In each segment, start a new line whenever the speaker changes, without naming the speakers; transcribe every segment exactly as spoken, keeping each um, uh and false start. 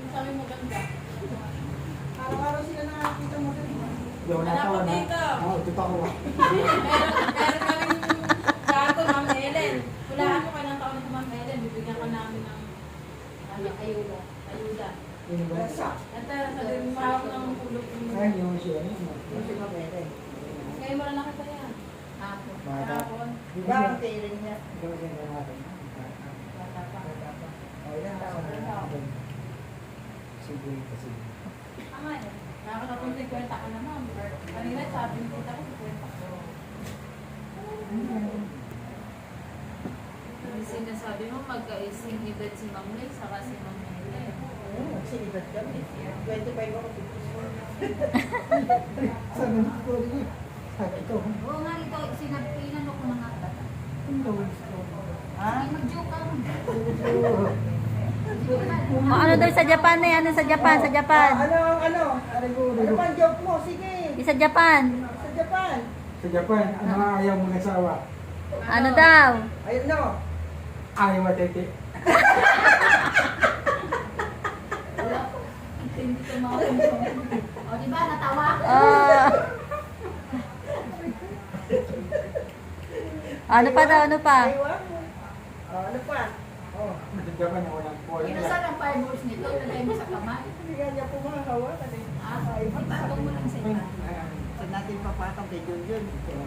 Sabi mo ganda.
Araw-araw sila nakakita mo rin.
Yung natawa na. Oo, ito pa ko.
Meron, meron kaming gato, Ma'am Helen. Hulaan mo kailang taon nito, Ma'am Helen. Bibigyan ka namin ng ano, ayuda. Ayuda.
Yung ba?
Ito, sabi mo mahawak ng pulot.
Ay, yung siya.
Yung si Mabere.
Ngayon mo lang nakita yan. Hapon.
Bata.
Hapon.
Di ba ang tiring niya?
Ito ba siya natin?
Bata pa.
O, ilan taon na?
Sige, kasi.
Tama yan. Nakakatapong kwenta ka na, Ma'am. Kanina sabi mo kita ko kwenta ko.
Yung sinasabi mo, magkaising edad si Ma'am Lay, saka si Ma'am Helen.
Oo, magsinibad kami. twenty-five ako, fifty-four.
Sabi ko rin. Sabi ko.
Oo nga, ito, sinabihan ko na nga.
Ha?
Mag-joke ka.
O, ano daw sa Japan na yan? Ano sa Japan? Sa Japan?
Ah, ano, ano? Ano pa ang joke mo? Sige.
Di sa Japan?
Sa Japan.
Sa Japan, ano ang ayaw mo ng asawa?
Ano daw?
Ayun no.
Ayaw matete.
Hindi ko makakumpong. O, di ba, natawa?
Ah. Ano pa daw? Ano pa?
Aywa mo. Oh, ano pa? Oh.
Sa Japan, walang polo.
Inasan ang fireballs nito, nalay mo sa kamay.
Hindi nga niya pumahawakan eh.
Ah, ipatong mo lang sa iba.
Saan natin papatang kay Junjun?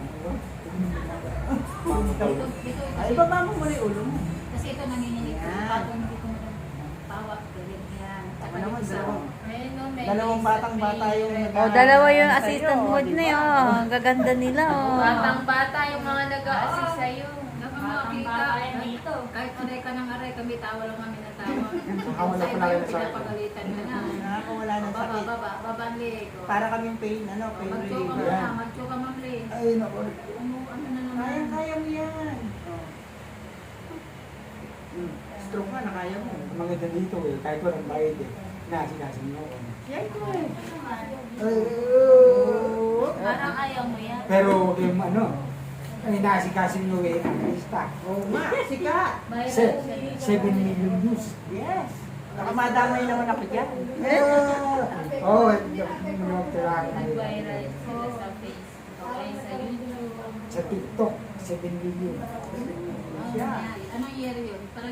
Dito, dito,
Ay,
kasi,
baba mo muna yung ulo mo.
kasi ito nanginginig.
Yan.
Patong dito mo lang. Tawa, galing yan.
Ako naman, dalawang,
Meron, may
dalawang
isa,
batang
may-
bata yung nag-
O, dalawa yung
Sa'yo,
assistant mo
di
na
ba?
yun. Oh, ang gaganda nila, oh.
Batang bata yung mga nag-a-assist sa'yo.
Batang
Nakamakita.
bata yan dito.
Kahit aray ka ng aray, kami tawa lang kami na tawa.
Nakawala
Sa
pa
iba
na
yung
kayo sa akin.
pinapagalitan ka na.
Nakakawala ng
Baba,
sakit.
baba, baba ang leg. o.
Para kaming pain, ano, pain
Mag-joke ka
reliever.
muna, mag-joke ka ma'am leg.
Ay, naku.
Ano, ano na naman?
Kaya, kaya mo yan. Oh. Hmm. Stroke nga, nakaya mo.
Ang maganda dito eh, kahit walang bayad eh. Nasikasin mo ako.
Yan ko eh.
Ay, oh.
Parang ayaw mo yan.
Pero yung ano, ang inasikasin mo eh, ang lista.
Oo nga, sikat.
Se- seven million views.
Yes. Nakamadamay naman ako dyan.
Oo, yung tirahan na yun.
Nag-viral sila sa Facebook. Okay, sa YouTube.
Sa TikTok, seven million.
Ano yan? Anong year yun? Parang